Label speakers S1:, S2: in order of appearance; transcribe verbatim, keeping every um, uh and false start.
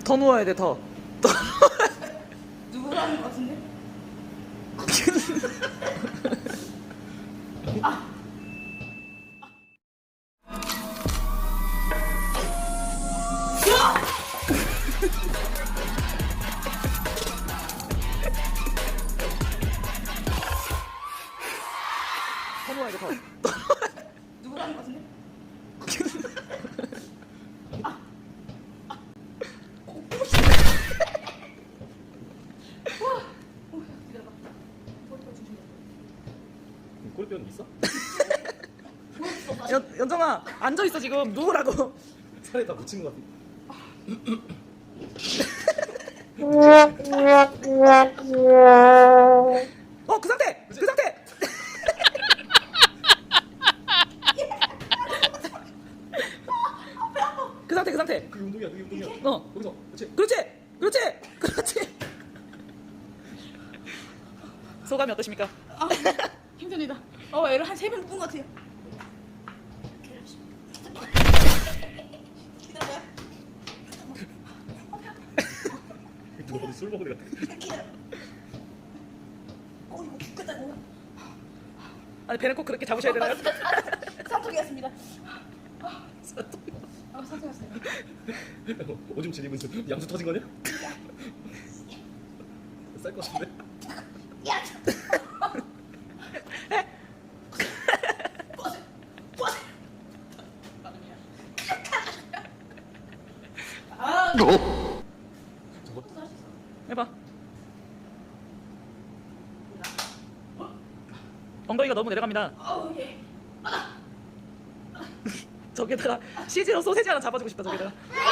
S1: 더 누워야 돼, 더. 더.
S2: 누구라는 것 같은데?
S1: 더 누워야 돼, 더.
S2: 누구라는 것 같은데?
S3: 꼬리뼈는 있어?
S1: 연, 연정아, 앉아있어, 지금. 누우라고.
S3: 살에 다 묻힌 것 같아.
S1: 어, 그 상태! 그 상태! 그 상태, 그 상태.
S3: 그게 운동이야, 그게 운동이야.
S1: 어.
S3: 거기서, 그렇지.
S1: 그렇지! 그렇지! 그렇지! 소감이 어떠십니까?
S2: 아, 힘듭니다. 어, 애를 한 세 번 묶은 것 같아요. 기다려.
S3: 누가 어디 술 먹은 애 같아.
S2: 기다려. 어, 이거 죽겠다고.
S1: 아니, 배는 꼭 그렇게 잡으셔야 되나요?
S2: 사통이었습니다. 아, 사통이었어요.
S3: 오줌 지리면서 양수 터진 거냐? 쌀 것 같은데?
S2: 야! 버스! 버스! 아,
S3: 저거?
S1: 해봐. 엉덩이가 너무 내려갑니다.
S2: 아우, 예.
S1: 저기다가 씨지로 소세지 하나 잡아주고 싶다, 저기다가.